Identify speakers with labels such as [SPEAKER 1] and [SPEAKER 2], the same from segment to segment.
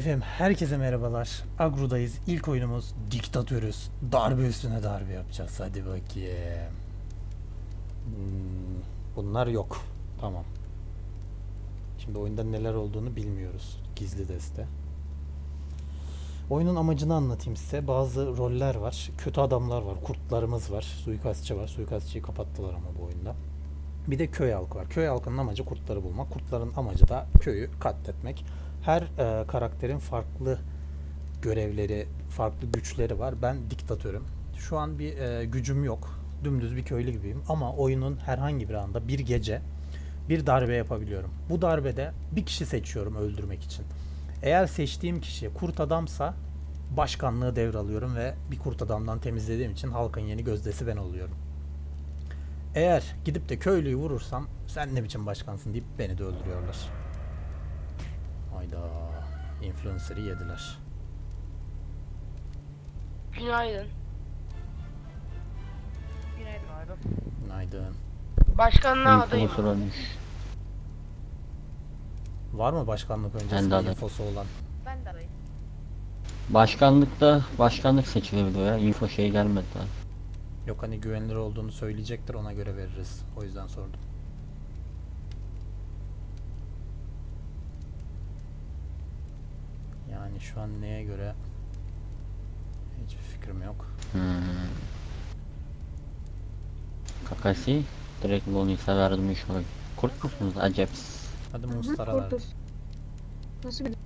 [SPEAKER 1] Efendim herkese merhabalar. Agro'dayız. İlk oyunumuz Diktatörüz. Darbe üstüne darbe yapacağız. Hadi bakayım. Bunlar yok. Tamam. Şimdi oyunda neler olduğunu bilmiyoruz. Gizli deste. Oyunun amacını anlatayım size. Bazı roller var. Kötü adamlar var. Kurtlarımız var. Suikastçı var. Suikastçıyı kapattılar ama bu oyunda. Bir de köy halkı var. Köy halkının amacı kurtları bulmak. Kurtların amacı da köyü katletmek. Her karakterin farklı görevleri, farklı güçleri var. Ben diktatörüm. Şu an bir gücüm yok. Dümdüz bir köylü gibiyim. Ama oyunun herhangi bir anda bir gece bir darbe yapabiliyorum. Bu darbede bir kişi seçiyorum öldürmek için. Eğer seçtiğim kişi kurt adamsa başkanlığı devralıyorum ve bir kurt adamdan temizlediğim için halkın yeni gözdesi ben oluyorum. Eğer gidip de köylüyü vurursam sen ne biçim başkansın deyip beni de öldürüyorlar. Hayda. Influencer'ı yediler.
[SPEAKER 2] Günaydın.
[SPEAKER 1] Günaydın.
[SPEAKER 2] Başkanlığa adayım.
[SPEAKER 3] Influencer olmuş.
[SPEAKER 1] Var mı başkanlık
[SPEAKER 3] Ben de
[SPEAKER 1] öncesinde
[SPEAKER 3] adayım.
[SPEAKER 1] infosu olan?
[SPEAKER 4] Ben de arayayım.
[SPEAKER 3] Başkanlıkta başkanlık seçilebiliyor ya. Info şey gelmedi daha.
[SPEAKER 1] Yok hani güvenilir olduğunu söyleyecektir, ona göre veririz. O yüzden sordum. Yani şu an neye göre hiçbir fikrim yok.
[SPEAKER 3] Kakasi direkt Lonis'e verdim iş olarak. Kurt musunuz acep?
[SPEAKER 1] Hadi Mustara ver.
[SPEAKER 4] Nasıl bir...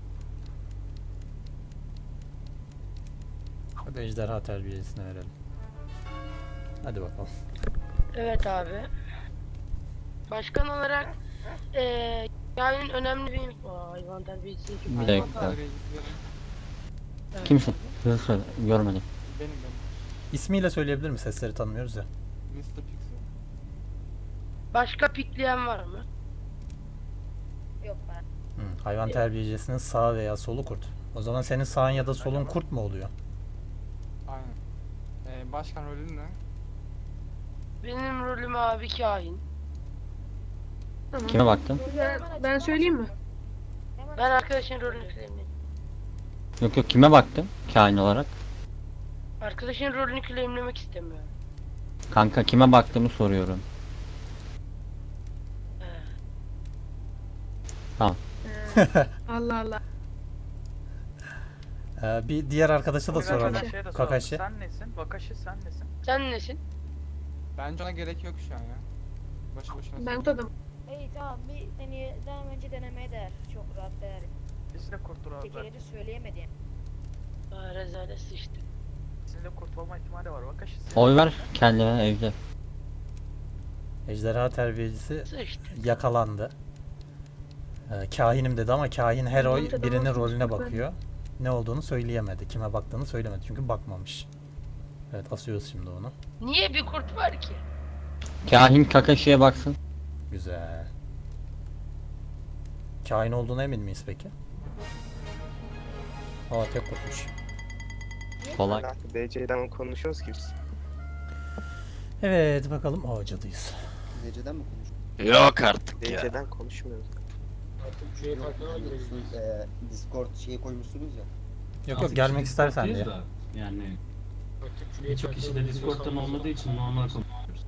[SPEAKER 1] Hadi ejderha terbiyesine verelim. Hadi bakalım.
[SPEAKER 2] Evet abi. Başkan olarak yani önemli bir hayvan terbiyesi.
[SPEAKER 3] Bir dakika. Kimsin? Hızlı söyle. Görmedim.
[SPEAKER 5] Benim.
[SPEAKER 1] İsmiyle söyleyebilir mi? Sesleri tanımıyoruz ya.
[SPEAKER 5] Mr. Pixel.
[SPEAKER 2] Başka pikleyen var mı?
[SPEAKER 4] Yok ben.
[SPEAKER 1] Hayvan terbiyecisinin sağ veya solu kurt. O zaman senin sağın ya da solun kurt mu oluyor?
[SPEAKER 5] Aynen. Başkan rolün ne?
[SPEAKER 2] Benim rolüm abi kahin.
[SPEAKER 4] Tamam.
[SPEAKER 3] Kime baktın?
[SPEAKER 4] Ben söyleyeyim mi?
[SPEAKER 2] Ben arkadaşın rolünü claimledim.
[SPEAKER 3] Yok yok, kime baktın? Kain olarak.
[SPEAKER 2] Arkadaşın rolünü claimlemek istemiyorum.
[SPEAKER 3] Kanka kime baktığımı soruyorum. Tamam.
[SPEAKER 4] Allah Allah.
[SPEAKER 1] Bir diğer arkadaşa da soralım. Kakashi.
[SPEAKER 6] Sen nesin? Vakashi sen nesin?
[SPEAKER 2] Sen nesin?
[SPEAKER 5] Bence ona gerek yok şu an ya. Boşu boşuna.
[SPEAKER 4] Ben tutadım.
[SPEAKER 7] İyi tamam bir seni daha önce denemeye değer. Çok rahat değer.
[SPEAKER 6] Biz de kurtur abi.
[SPEAKER 7] Tekeleri söyleyemedi yani.
[SPEAKER 2] Rezalet sıçtı.
[SPEAKER 6] Sizin de kurt olma ihtimali var. Vakashi sen.
[SPEAKER 3] Oy ver kendine evde.
[SPEAKER 1] Ejderha terbiyecisi
[SPEAKER 2] Sıçtı.
[SPEAKER 1] yakalandı. Kahinim dedi ama kahin her oy
[SPEAKER 4] Tamam,
[SPEAKER 1] birinin
[SPEAKER 4] tamam,
[SPEAKER 1] rolüne
[SPEAKER 4] lütfen.
[SPEAKER 1] bakıyor. Ne olduğunu söyleyemedi. Kime baktığını söylemedi çünkü bakmamış. Evet, asıyoruz şimdi onu.
[SPEAKER 2] Niye bir kurt var ki?
[SPEAKER 3] Kahin Kakashi'ye baksın.
[SPEAKER 1] Güzel. Kahin olduğuna emin miyiz peki? Aa, tek kurtmuş.
[SPEAKER 3] Kolay.
[SPEAKER 8] DC'den konuşuyoruz ki biz.
[SPEAKER 1] Evet bakalım. Aa, cadıyız.
[SPEAKER 8] DC'den mi konuşuyoruz?
[SPEAKER 3] Yok artık
[SPEAKER 8] DC'den konuşmuyoruz.
[SPEAKER 9] Discord şeyi koymuşsunuz ya.
[SPEAKER 1] Yok yok, gelmek istersen diye.
[SPEAKER 10] Yani birçok kişi de Discord'dan olmadığı için normal konuşuyoruz.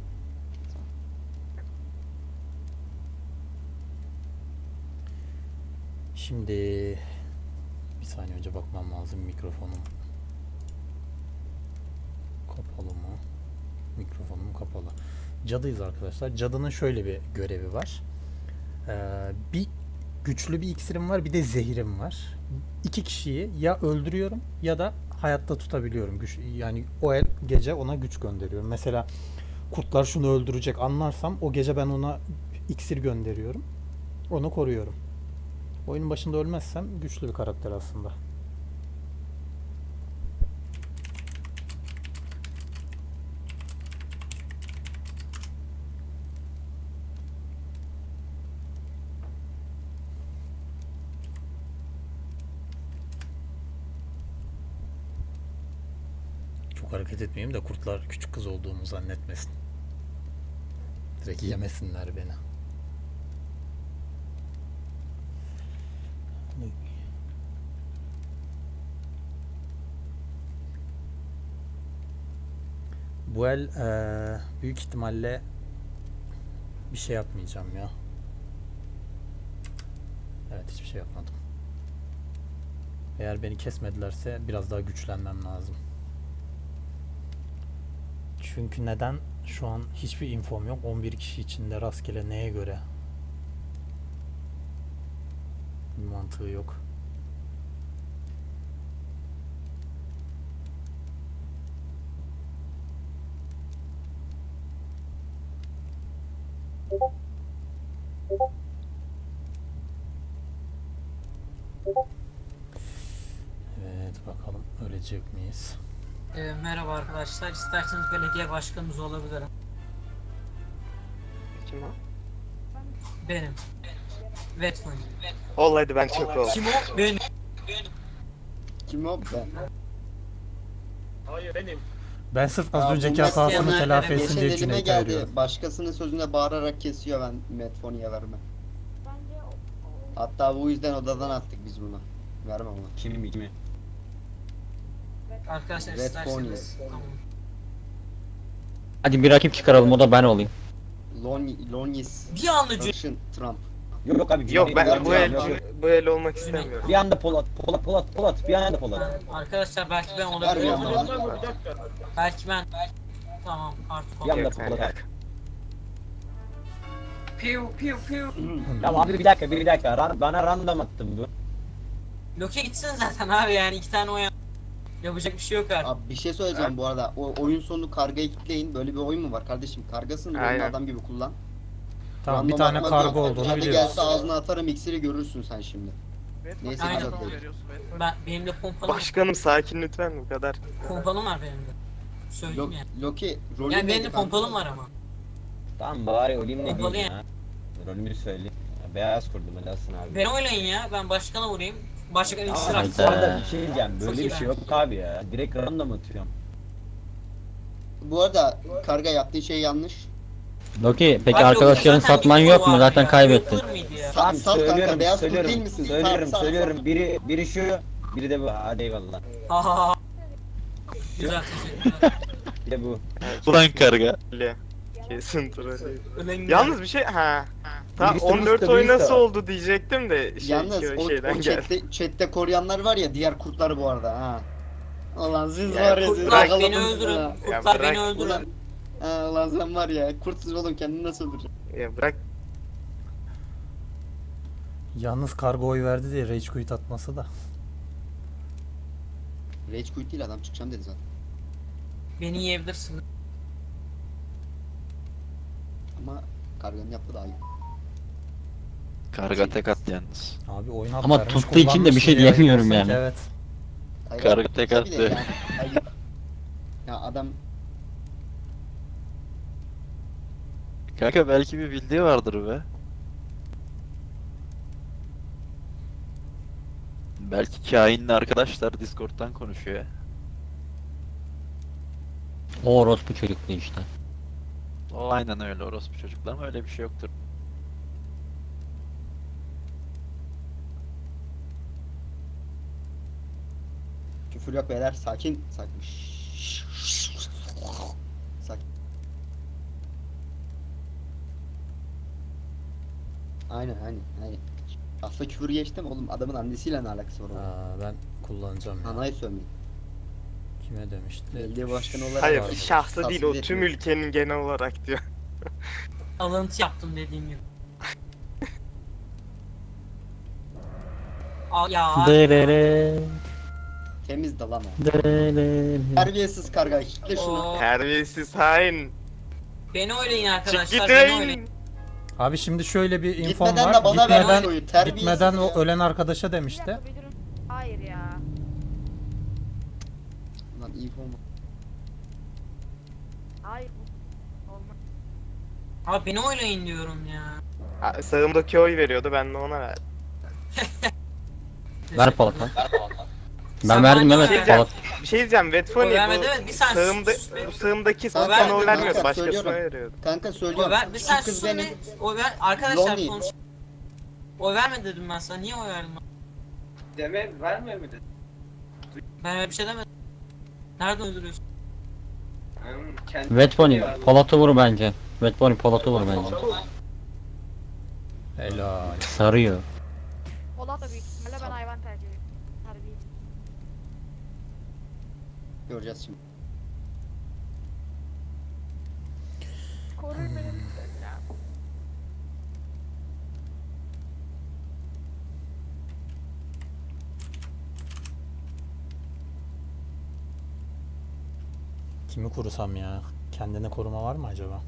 [SPEAKER 1] Şimdi bir saniye önce bakmam lazım, mikrofonum kapalı mı? Mikrofonum kapalı. Cadıyız arkadaşlar. Cadının şöyle bir görevi var. Bir güçlü bir iksirim var, bir de zehirim var. İki kişiyi ya öldürüyorum ya da hayatta tutabiliyorum. Yani o gece ona güç gönderiyorum. Mesela kurtlar şunu öldürecek anlarsam o gece ben ona iksir gönderiyorum. Onu koruyorum. Oyunun başında ölmezsem güçlü bir karakter aslında. Çok hareket etmeyeyim de kurtlar küçük kız olduğumu zannetmesin. Direkt yemesinler beni. Bu el büyük ihtimalle bir şey yapmayacağım ya. Evet, hiçbir şey yapmadım. Eğer beni kesmedilerse biraz daha güçlenmem lazım. Çünkü neden? Şu an hiçbir infom yok. 11 kişi içinde rastgele neye göre? Bir mantığı yok. Evet, bakalım ölecek miyiz?
[SPEAKER 10] Merhaba arkadaşlar. İsterseniz belediye başkanımız olabilirim.
[SPEAKER 8] Kim o?
[SPEAKER 10] Benim. Vetman.
[SPEAKER 8] Ol hadi ben çok ol.
[SPEAKER 10] Kim o? Benim.
[SPEAKER 9] Kim o? Ben.
[SPEAKER 6] Hayır benim.
[SPEAKER 1] Ben sırf az
[SPEAKER 9] Aa,
[SPEAKER 1] önceki
[SPEAKER 9] bu
[SPEAKER 1] hatasını
[SPEAKER 10] Metfon'a
[SPEAKER 1] telafi etsin
[SPEAKER 9] Geçen
[SPEAKER 1] diye
[SPEAKER 9] elime
[SPEAKER 1] Cüneyt'e
[SPEAKER 9] geldi.
[SPEAKER 1] veriyorum.
[SPEAKER 9] Başkasının sözüne bağırarak kesiyor, ben Metfoni'ye vermem.
[SPEAKER 7] Bence
[SPEAKER 9] Hatta bu yüzden odadan attık biz bunu. Vermem ona.
[SPEAKER 3] Kimi?
[SPEAKER 10] Arkadaşlar
[SPEAKER 9] Red
[SPEAKER 10] isterseniz. Tamam.
[SPEAKER 3] Hadi bir rakip çıkaralım, o da ben olayım.
[SPEAKER 9] Lonis.
[SPEAKER 10] Bir anda
[SPEAKER 9] Russian Trump.
[SPEAKER 3] Yok abi.
[SPEAKER 8] Yok ben
[SPEAKER 9] Yok,
[SPEAKER 8] bu
[SPEAKER 9] yok.
[SPEAKER 8] el olmak istemiyorum.
[SPEAKER 3] Bir anda Polat, bir anda Polat.
[SPEAKER 10] Arkadaşlar belki ben
[SPEAKER 9] Vermiyorum
[SPEAKER 10] olabilirim.
[SPEAKER 9] bana.
[SPEAKER 10] Belki ben. Tamam artık
[SPEAKER 3] Bir anda
[SPEAKER 10] olabilir.
[SPEAKER 3] Polat.
[SPEAKER 10] Piu piu piu.
[SPEAKER 3] Ya abi bir dakika. Bana random attın bu.
[SPEAKER 10] Loki gitsin zaten abi, yani 2 tane oyan. Yapacak bir şey yok artık.
[SPEAKER 9] Abi bir şey söyleyeceğim bu arada. O oyun sonu kargayı kitleyin. Böyle bir oyun mu var kardeşim? Kargasın, rolünü
[SPEAKER 8] Aynen.
[SPEAKER 9] adam gibi kullan.
[SPEAKER 1] Tamam, bir
[SPEAKER 9] Random
[SPEAKER 1] tane
[SPEAKER 9] atmak
[SPEAKER 1] kargo
[SPEAKER 9] yok.
[SPEAKER 1] olduğunu
[SPEAKER 9] Hadi
[SPEAKER 1] biliyoruz.
[SPEAKER 9] gelse ağzına atarım, iksiri görürsün sen şimdi. Neyse,
[SPEAKER 10] Aynen.
[SPEAKER 9] güzel değil.
[SPEAKER 10] Benim de pompalım,
[SPEAKER 8] Başkanım sakin lütfen, bu kadar.
[SPEAKER 10] pompalım var benim de. Söyleyeyim yani.
[SPEAKER 9] Loki rolü
[SPEAKER 10] Yani benim
[SPEAKER 9] neydi
[SPEAKER 10] de
[SPEAKER 9] kanka?
[SPEAKER 10] pompalım var ama.
[SPEAKER 3] Tamam bari olayım ne
[SPEAKER 10] Pompalı
[SPEAKER 3] diyeyim ya. Rolümü söyleyeyim. Beyaz kurdum helalsin abi.
[SPEAKER 10] Beni oynayın ya, ben başkana vurayım. Başkan
[SPEAKER 3] Tamam,
[SPEAKER 10] iksir atsın.
[SPEAKER 3] bu arada bir şey diyeceğim.
[SPEAKER 10] Çok
[SPEAKER 3] Böyle
[SPEAKER 10] iyi
[SPEAKER 3] bir şey yok abi ya. Direkt random atıyorum.
[SPEAKER 9] Bu arada karga yaptığı şey yanlış.
[SPEAKER 3] Loki peki
[SPEAKER 10] Abi
[SPEAKER 3] arkadaşların
[SPEAKER 10] Loki zaten
[SPEAKER 3] satman
[SPEAKER 10] bir
[SPEAKER 3] yok mu?
[SPEAKER 10] var
[SPEAKER 3] Zaten
[SPEAKER 10] ya.
[SPEAKER 3] kaybettin.
[SPEAKER 10] Yapılır mıydı ya?
[SPEAKER 9] Sal kanka, beyaz kurt değil misin?
[SPEAKER 3] Söylüyorum. Biri şu, biri de bu. Hadi eyvallah.
[SPEAKER 10] Ha ha ha. Güzel, teşekkürler.
[SPEAKER 3] Bir de bu.
[SPEAKER 8] Ulan karga. Kesin troll.
[SPEAKER 10] Ölen
[SPEAKER 8] Yalnız bir şey Tam
[SPEAKER 3] Birisi
[SPEAKER 8] 14
[SPEAKER 3] Musta,
[SPEAKER 8] oy
[SPEAKER 3] birisi
[SPEAKER 8] nasıl
[SPEAKER 3] o.
[SPEAKER 8] oldu diyecektim de
[SPEAKER 9] Yalnız
[SPEAKER 8] o
[SPEAKER 9] o
[SPEAKER 8] şeyden geldi.
[SPEAKER 9] chatte koruyanlar var ya, diğer kurtlar bu arada ha. Ulan siz
[SPEAKER 8] Ya
[SPEAKER 9] var ya, siz
[SPEAKER 10] kurtlar beni
[SPEAKER 9] yakaladınız
[SPEAKER 10] öldürün.
[SPEAKER 9] ha.
[SPEAKER 8] Ya
[SPEAKER 10] Kurtlar
[SPEAKER 8] bırak
[SPEAKER 10] beni öldürün.
[SPEAKER 9] Ulan, ulan sen var ya, kurtsuz oğlum, kendini nasıl öldüreceksin?
[SPEAKER 8] Ya bırak.
[SPEAKER 1] Yalnız kargo oy verdi diye rage quit atması da.
[SPEAKER 9] Rage quit değil, adam çıkacağım dedi zaten.
[SPEAKER 10] Beni yiyebilirsin.
[SPEAKER 9] Ama karganın yaptığı daha iyi.
[SPEAKER 11] Karga tek at yalnız.
[SPEAKER 1] Abi oyun hak
[SPEAKER 3] Ama
[SPEAKER 1] vermiş,
[SPEAKER 3] tuttuğu için de bir
[SPEAKER 1] kullanmış,
[SPEAKER 3] şey
[SPEAKER 1] niye
[SPEAKER 3] diyemiyorum
[SPEAKER 1] yapıyorsun ki?
[SPEAKER 3] yani.
[SPEAKER 1] Evet.
[SPEAKER 9] Hayır,
[SPEAKER 11] Karga tek
[SPEAKER 9] tabii de
[SPEAKER 11] attı.
[SPEAKER 9] yani, hayır. Ya adam
[SPEAKER 11] Kanka belki bir bildiği vardır be. Belki kainli arkadaşlar Discord'dan konuşuyor.
[SPEAKER 3] O orospu çocuklu işte.
[SPEAKER 11] O aynen öyle, orospu çocuklar ama öyle bir şey yoktur.
[SPEAKER 9] küfür yok beyler, sakin sakin. Sakin. Aynen. Aslında küfür geçtim oğlum, adamın annesiyle ne alakası var oğlum?
[SPEAKER 1] Ben kullanacağım ya.
[SPEAKER 9] Anayı sövmeyin.
[SPEAKER 1] Kime demişti?
[SPEAKER 9] Belediye başkanı olarak
[SPEAKER 8] Hayır
[SPEAKER 1] Pardon.
[SPEAKER 8] şahsı değil, o
[SPEAKER 9] Tasvip
[SPEAKER 8] tüm
[SPEAKER 9] etmiyorum.
[SPEAKER 8] ülkenin genel olarak diyor.
[SPEAKER 10] Alıntı yaptım dediğim gibi. Ya.
[SPEAKER 3] Derere,
[SPEAKER 9] Temiz de lan o.
[SPEAKER 3] derere.
[SPEAKER 9] Terbiyesiz karga, kitle şunu.
[SPEAKER 10] Oo,
[SPEAKER 8] Terbiyesiz hain.
[SPEAKER 10] beni oynayın
[SPEAKER 8] Çık
[SPEAKER 10] arkadaşlar, beni oynayın.
[SPEAKER 8] gidin.
[SPEAKER 1] Abi şimdi şöyle bir infom
[SPEAKER 9] Gitmeden
[SPEAKER 1] var.
[SPEAKER 9] de bana ver
[SPEAKER 1] Gitmeden,
[SPEAKER 9] oyu, terbiyesiz
[SPEAKER 1] gitmeden o
[SPEAKER 9] ya.
[SPEAKER 1] ölen arkadaşa
[SPEAKER 7] bir
[SPEAKER 1] demişti.
[SPEAKER 7] dakika bir durun. Hayır ya.
[SPEAKER 9] Lan iyi form.
[SPEAKER 7] Hayır. Olmaz.
[SPEAKER 10] Abi beni oynayın diyorum ya.
[SPEAKER 8] Sağımdaki oy veriyordu, ben de ona verdim.
[SPEAKER 3] Ver Polat lan. Ben
[SPEAKER 10] Sen
[SPEAKER 3] verdim
[SPEAKER 10] bana
[SPEAKER 3] evet
[SPEAKER 10] ver.
[SPEAKER 3] Polat.
[SPEAKER 8] Bir şey diyeceğim, Vetfoni
[SPEAKER 10] Oy vermedi, evet, bir saniye,
[SPEAKER 8] sağımda,
[SPEAKER 10] sus be.
[SPEAKER 8] bu sağımdaki
[SPEAKER 9] Kanka,
[SPEAKER 8] sana oy
[SPEAKER 9] kanka,
[SPEAKER 8] vermiyordu, başkasına
[SPEAKER 9] söylüyorum.
[SPEAKER 8] veriyordu.
[SPEAKER 9] Kanka
[SPEAKER 10] Oy
[SPEAKER 9] söylüyorum.
[SPEAKER 10] ver, bir
[SPEAKER 9] Şu
[SPEAKER 10] saniye
[SPEAKER 9] kız
[SPEAKER 10] sus
[SPEAKER 9] benim.
[SPEAKER 10] be. Oy ver, arkadaşlar
[SPEAKER 9] Lonely.
[SPEAKER 10] konuş. Oy verme dedim ben sana, niye oy verdin?
[SPEAKER 6] Verme mi dedi?
[SPEAKER 10] Ben öyle bir şey demedim. Nereden öldürüyorsun?
[SPEAKER 3] Vetpony Polat'ı vur bence. Vetpony Polat'ı vur bence.
[SPEAKER 1] Helal.
[SPEAKER 3] Sarıyor.
[SPEAKER 7] Polat da büyük ihtimalle ben hayvan tercih ediyorum. Harbi.
[SPEAKER 9] Göreceğiz şimdi.
[SPEAKER 7] Koruyun beni lütfen ya.
[SPEAKER 1] Kimi korusam ya? Kendine koruma var mı acaba?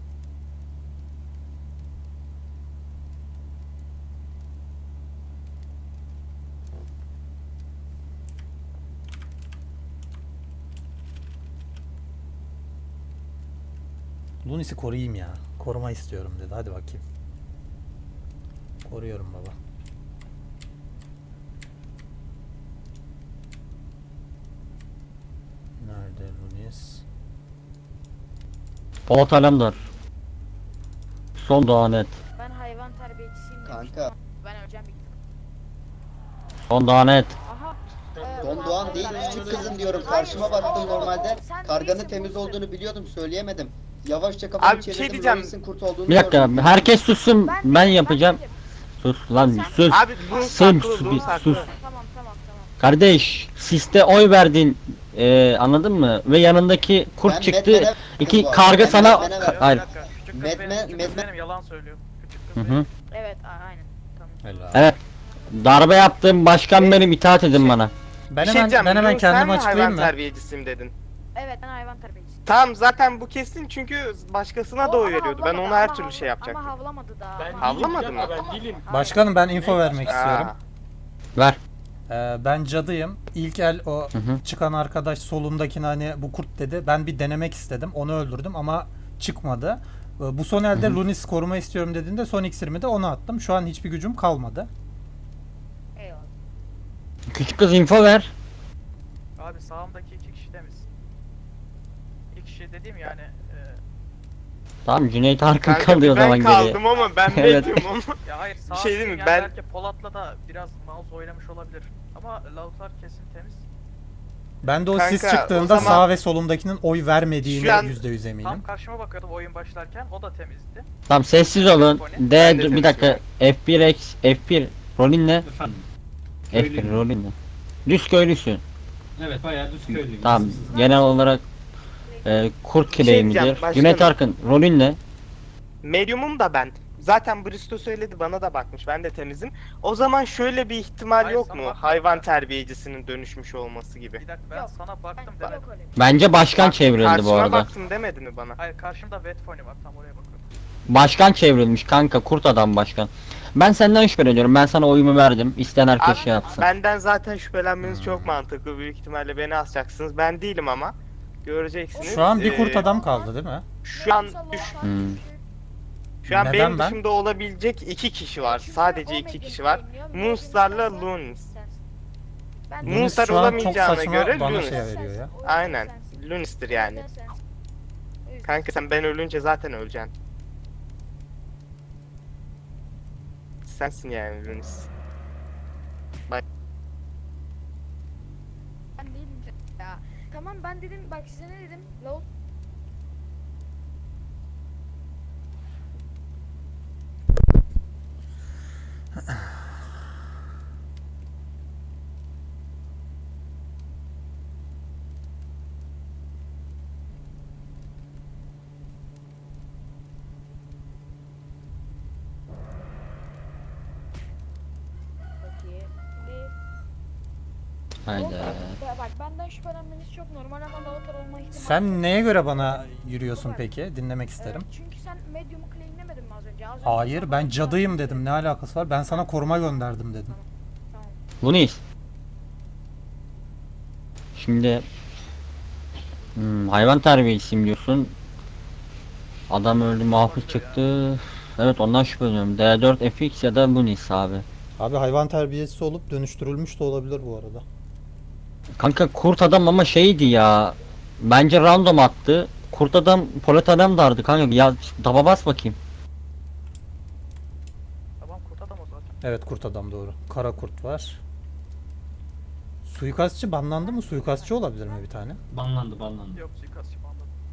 [SPEAKER 1] Lunis'i koruyayım ya. Koruma istiyorum dedi. Hadi bakayım. Koruyorum baba. Nerede Lunis?
[SPEAKER 3] Polat Alemdar. Son Doğan et.
[SPEAKER 7] Ben hayvan terbiyecisiyim demiştim
[SPEAKER 9] Kanka.
[SPEAKER 7] ama ben öleceğim bir ihtimal.
[SPEAKER 3] Son Doğan et.
[SPEAKER 7] Aha.
[SPEAKER 9] Don Doğan değil küçük kızım diyorum. Karşıma baktım normalde. Karganın temiz olduğunu biliyordum, söyleyemedim. Yavaşça
[SPEAKER 8] Abi
[SPEAKER 9] kafamı
[SPEAKER 8] bir şey
[SPEAKER 9] çevirdim.
[SPEAKER 8] diyeceğim.
[SPEAKER 9] Lois'in kurt olduğunu
[SPEAKER 3] Bir dakika
[SPEAKER 9] gördüm.
[SPEAKER 3] herkes sussun ben yapacağım.
[SPEAKER 7] dedim.
[SPEAKER 3] Sus lan sus.
[SPEAKER 8] Abi Lun
[SPEAKER 3] Sus
[SPEAKER 8] saklı, Lun
[SPEAKER 3] bir
[SPEAKER 8] saklı.
[SPEAKER 3] sus.
[SPEAKER 7] Tamam tamam.
[SPEAKER 3] Kardeş siste oy verdin anladın mı? Ve yanındaki kurt
[SPEAKER 9] Ben
[SPEAKER 3] çıktı.
[SPEAKER 9] Batman'e-
[SPEAKER 3] İki
[SPEAKER 9] Ben
[SPEAKER 3] karga sana
[SPEAKER 9] Batman'e
[SPEAKER 3] Ka-
[SPEAKER 9] verdim.
[SPEAKER 3] hayır.
[SPEAKER 6] Bir dakika, küçük kız
[SPEAKER 9] Medmen-
[SPEAKER 6] benim, küçük kız
[SPEAKER 9] Medmen-
[SPEAKER 6] benim, yalan söylüyor. Küçük
[SPEAKER 3] Hı
[SPEAKER 6] kız
[SPEAKER 3] hı.
[SPEAKER 6] benim.
[SPEAKER 7] Evet aynen. Tamam.
[SPEAKER 1] Helal.
[SPEAKER 3] Evet. Darbe yaptım başkan benim itaat edin bana.
[SPEAKER 1] Ben
[SPEAKER 8] Bir şey
[SPEAKER 1] hemen,
[SPEAKER 8] diyeceğim,
[SPEAKER 1] ben hemen
[SPEAKER 8] Lun sen
[SPEAKER 1] kendimi
[SPEAKER 8] mi
[SPEAKER 1] açıklayayım
[SPEAKER 8] hayvan
[SPEAKER 1] mı?
[SPEAKER 8] terbiyecisiyim dedin.
[SPEAKER 7] Evet ben hayvan terbiyecisiyim.
[SPEAKER 8] Tamam zaten bu kesin çünkü başkasına da oy
[SPEAKER 7] ama
[SPEAKER 8] veriyordu. Ben
[SPEAKER 7] havlamadı,
[SPEAKER 8] ona her
[SPEAKER 7] ama
[SPEAKER 8] türlü şey yapacaktım.
[SPEAKER 7] Ama havlamadı daha.
[SPEAKER 10] Ben
[SPEAKER 7] ama-
[SPEAKER 8] Havlamadı
[SPEAKER 10] değilim,
[SPEAKER 8] mı?
[SPEAKER 10] Ben değilim.
[SPEAKER 1] Başkanım ben info vermek istiyorum.
[SPEAKER 8] Aa,
[SPEAKER 3] Ver.
[SPEAKER 1] Ben cadıyım. İlk el o
[SPEAKER 3] Hı hı.
[SPEAKER 1] çıkan arkadaş solundakine hani bu kurt dedi. Ben bir denemek istedim. Onu öldürdüm ama çıkmadı. Bu son elde Lunis koruma istiyorum dediğinde son iksirimi de ona attım. Şu an hiçbir gücüm kalmadı.
[SPEAKER 7] Eyvallah.
[SPEAKER 3] Küçük kız info ver.
[SPEAKER 6] Abi sağımdaki iki kişi temiz. İki kişi dediğim yani
[SPEAKER 3] Tamam Cüneyt Arkın
[SPEAKER 8] kanka
[SPEAKER 3] kalıyor o
[SPEAKER 8] ben
[SPEAKER 3] zaman geriye.
[SPEAKER 8] kaldım ama ben
[SPEAKER 3] Evet.
[SPEAKER 8] medium ama.
[SPEAKER 6] ya hayır sağ
[SPEAKER 8] şey değil mi,
[SPEAKER 6] yani
[SPEAKER 8] ben-
[SPEAKER 6] belki Polat'la da biraz mouse oynamış olabilir. Ama Lautlar kesin temiz.
[SPEAKER 1] Ben de o
[SPEAKER 8] Kanka,
[SPEAKER 1] sis çıktığında
[SPEAKER 8] o zaman-
[SPEAKER 1] sağ ve solumdakinin oy vermediğine
[SPEAKER 8] Şu an-
[SPEAKER 1] %100 eminim.
[SPEAKER 6] Tam karşıma bakıyordum oyun başlarken o da temizdi.
[SPEAKER 3] Tamam sessiz olun.
[SPEAKER 8] Ben de
[SPEAKER 3] Bir dakika. F1 F1 rolün ne?
[SPEAKER 10] Efendim.
[SPEAKER 3] F1
[SPEAKER 10] Köylüyüm.
[SPEAKER 3] rolün ne? Düz köylüsün.
[SPEAKER 10] Evet bayağı düz köylüyüm.
[SPEAKER 3] Tamam. Genel olarak kurt
[SPEAKER 8] şey
[SPEAKER 3] kileği
[SPEAKER 8] diyeceğim,
[SPEAKER 3] midir?
[SPEAKER 8] başkanım.
[SPEAKER 3] Cüneyt Arkın rolün ne?
[SPEAKER 8] Medium'um da ben. Zaten Bristo söyledi, bana da bakmış. Ben de temizim. O zaman şöyle bir ihtimal
[SPEAKER 6] Hayır,
[SPEAKER 8] yok
[SPEAKER 6] sana
[SPEAKER 8] mu?
[SPEAKER 6] bakmadım
[SPEAKER 8] Hayvan
[SPEAKER 6] ben.
[SPEAKER 8] terbiyecisinin dönüşmüş olması gibi.
[SPEAKER 6] Bir dakika ben
[SPEAKER 7] Yok,
[SPEAKER 6] sana baktım
[SPEAKER 7] Ben,
[SPEAKER 6] demedim.
[SPEAKER 7] yok öyle.
[SPEAKER 3] Bence başkan
[SPEAKER 8] Bak,
[SPEAKER 3] çevrildi bu
[SPEAKER 8] karşıma
[SPEAKER 3] arada.
[SPEAKER 8] baktın demedi mi bana?
[SPEAKER 6] Hayır karşımda Vetfony var tam oraya bakıyorum.
[SPEAKER 3] Başkan çevrilmiş kanka kurt adam başkan. Ben senden şüpheleniyorum. Ben sana oyumu verdim. İsteyen herkes
[SPEAKER 8] Abi,
[SPEAKER 3] şey yapsın.
[SPEAKER 8] benden zaten şüphelenmeniz çok mantıklı. Büyük ihtimalle beni asacaksınız. Ben değilim ama. Göreceksiniz.
[SPEAKER 1] Şu an bir kurt
[SPEAKER 8] Ee,
[SPEAKER 1] adam kaldı değil mi?
[SPEAKER 8] Şu an
[SPEAKER 3] Hmm.
[SPEAKER 8] şu an
[SPEAKER 1] Neden
[SPEAKER 8] benim
[SPEAKER 1] ben?
[SPEAKER 8] dışımda olabilecek iki kişi var. Sadece iki kişi var. Moonstar'la Lunis.
[SPEAKER 1] Lunis
[SPEAKER 8] Moonstar
[SPEAKER 1] şu an çok
[SPEAKER 8] olamayacağına
[SPEAKER 1] saçma
[SPEAKER 8] göre
[SPEAKER 1] bana
[SPEAKER 8] Lunis.
[SPEAKER 1] şey veriyor ya.
[SPEAKER 8] Aynen. Lunis'tir yani. Kanka sen ben ölünce zaten öleceksin. Sensin yani Lunis.
[SPEAKER 7] Ben değilim ya. Tamam ben dedim bak size ne dedim? Laut Peki.
[SPEAKER 3] Haydi.
[SPEAKER 7] Bak benden şüphelenmeniz çok normal ama Lautar olma ihtimali.
[SPEAKER 1] Sen neye göre bana yürüyorsun peki? Dinlemek isterim.
[SPEAKER 7] Çünkü sen medium'u claimlemedin mi az önce? Az önce
[SPEAKER 1] Hayır
[SPEAKER 7] sen
[SPEAKER 1] ben
[SPEAKER 7] bana
[SPEAKER 1] cadıyım
[SPEAKER 7] söyledin.
[SPEAKER 1] dedim. Ne alakası var? Ben sana koruma gönderdim dedim.
[SPEAKER 7] Tamam.
[SPEAKER 3] Lunis. Şimdi hayvan terbiyesiyim diyorsun. Adam öldü muhafız çıktı. Evet ondan şüpheleniyorum. D4 FX ya da Lunis abi.
[SPEAKER 1] Abi hayvan terbiyesi olup dönüştürülmüş de olabilir bu arada.
[SPEAKER 3] Kanka kurt adam ama şeydi ya. Bence random attı. Kurt adam polat adam dardı kanka. Ya daba bas bakayım.
[SPEAKER 6] Tamam kurt adam o zaten.
[SPEAKER 1] Evet kurt adam doğru. Kara kurt var. Suikastçı banlandı mı? Suikastçı olabilir mi bir tane?
[SPEAKER 10] Banlandı.
[SPEAKER 6] Yok suikastçı banladı.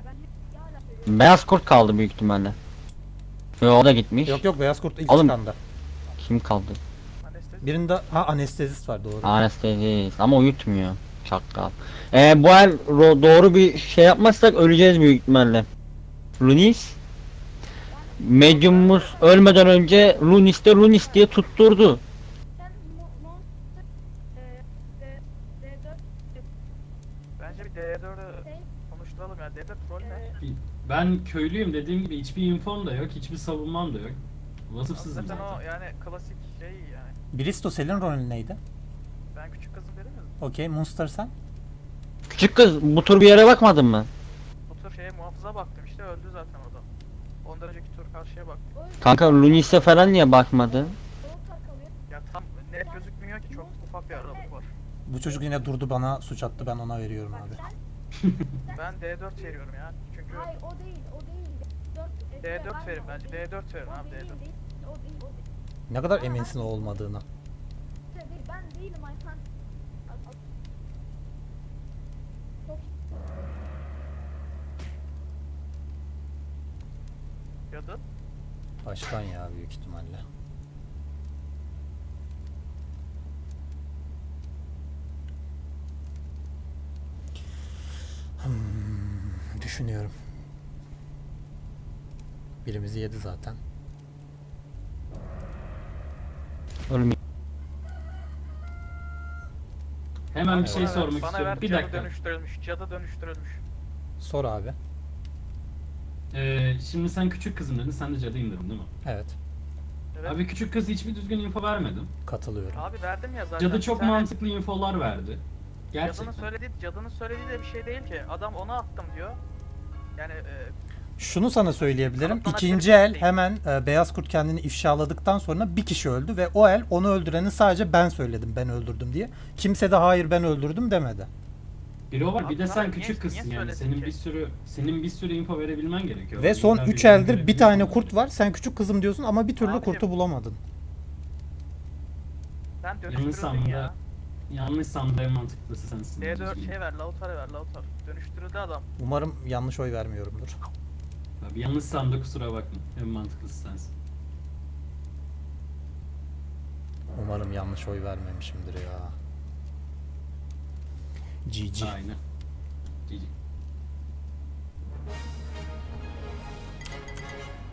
[SPEAKER 3] Beyaz kurt kaldı büyük ihtimalle. Yo, o da gitmiş.
[SPEAKER 1] Yok yok, beyaz kurt ilk
[SPEAKER 3] Oğlum-
[SPEAKER 1] çıkanda.
[SPEAKER 3] Kim kaldı?
[SPEAKER 6] Anestezi.
[SPEAKER 1] Anestezist var, doğru.
[SPEAKER 3] Anestezist ama uyutmuyor. Çakal. Bu el doğru bir şey yapmazsak öleceğiz büyük ihtimalle. Lunis. Medium'umuz ölmeden önce Lunis diye tutturdu.
[SPEAKER 7] Sen D4
[SPEAKER 6] Bence bir D4'ü konuşturalım ya. D4 rol ne?
[SPEAKER 10] Ben köylüyüm dediğim gibi hiçbir infom da yok, hiçbir savunmam da yok. Vasıfsızım
[SPEAKER 6] Zaten o
[SPEAKER 10] zaten.
[SPEAKER 6] yani klasik şey yani.
[SPEAKER 1] Bristo senin rolün neydi?
[SPEAKER 6] Ben küçük kızım dedim mi?
[SPEAKER 1] Okey, Munster sen?
[SPEAKER 3] Küçük kız bu tur bir yere bakmadın mı?
[SPEAKER 6] Bu tür şeye muhafıza baktım işte öldü zaten o da. Ondan önceki tur karşıya baktım.
[SPEAKER 3] Kanka Lunis'e falan niye bakmadın?
[SPEAKER 6] Ya tam net gözükmüyor ki çok ufak bir aralık var.
[SPEAKER 1] Bu çocuk yine durdu, bana suç attı, ben ona veriyorum abi.
[SPEAKER 6] Ben D4 veriyorum ya. Çünkü
[SPEAKER 7] Hayır o değil, o değil.
[SPEAKER 6] D4 verin bence. D4 verin abi D4.
[SPEAKER 7] O değil.
[SPEAKER 1] Ne kadar eminsin o olmadığına.
[SPEAKER 7] Ben değilim Ayhan.
[SPEAKER 6] Cadı.
[SPEAKER 1] Başkan ya, büyük ihtimalle. Düşünüyorum. Birimizi yedi zaten.
[SPEAKER 3] Oğlum
[SPEAKER 10] Hemen bir şey
[SPEAKER 6] Bana ver,
[SPEAKER 10] sormak
[SPEAKER 6] bana
[SPEAKER 10] istiyorum.
[SPEAKER 6] ver,
[SPEAKER 10] Bir
[SPEAKER 6] cadı
[SPEAKER 10] dakika.
[SPEAKER 6] dönüştürülmüş. Cadı dönüştürülmüş.
[SPEAKER 1] Sor abi.
[SPEAKER 10] Şimdi sen küçük kızım dedin, sen de cadıyım dedin değil mi?
[SPEAKER 1] Evet,
[SPEAKER 6] Evet.
[SPEAKER 10] Abi küçük kız hiçbir düzgün info vermedin.
[SPEAKER 1] katılıyorum.
[SPEAKER 6] Abi verdim ya zaten.
[SPEAKER 10] Cadı çok
[SPEAKER 6] Bir tane
[SPEAKER 10] mantıklı infolar verdi. Gerçekten.
[SPEAKER 6] Cadının söylediği de bir şey değil ki. Adam ona attım diyor. Yani
[SPEAKER 1] Şunu sana söyleyebilirim.
[SPEAKER 6] Kanıtlanabilir
[SPEAKER 1] İkinci
[SPEAKER 6] bir
[SPEAKER 1] el
[SPEAKER 6] şey.
[SPEAKER 1] hemen Beyaz Kurt kendini ifşaladıktan sonra bir kişi öldü ve o el onu öldüreni sadece ben söyledim, ben öldürdüm diye. Kimse de hayır ben öldürdüm demedi.
[SPEAKER 10] Biri o var, bir de
[SPEAKER 6] Abi
[SPEAKER 10] sen
[SPEAKER 6] niye-
[SPEAKER 10] küçük kızsın
[SPEAKER 6] niye
[SPEAKER 10] yani.
[SPEAKER 6] söyledin
[SPEAKER 10] Senin bir sürü info verebilmen gerekiyor.
[SPEAKER 1] Ve son
[SPEAKER 10] İlla
[SPEAKER 1] 3
[SPEAKER 10] bir
[SPEAKER 1] eldir bir
[SPEAKER 10] verebilmen
[SPEAKER 1] tane
[SPEAKER 10] gerekiyor.
[SPEAKER 1] kurt var. Sen küçük kızım diyorsun ama bir türlü
[SPEAKER 6] Abicim,
[SPEAKER 1] kurtu bulamadın.
[SPEAKER 6] sen dönüştürüldün
[SPEAKER 10] Yanlışsam
[SPEAKER 6] ya.
[SPEAKER 10] da yanlışsam da en mantıklısı sensin.
[SPEAKER 6] D4 şey ver, Lautar'ı ver, Lautar. Dönüştürüldü adam.
[SPEAKER 1] Umarım yanlış oy vermiyorumdur.
[SPEAKER 10] Abi yanlışsam da kusura bakma. En mantıklısı sensin.
[SPEAKER 1] Umarım yanlış oy vermemişimdir ya. GG.
[SPEAKER 10] Aynen. GG.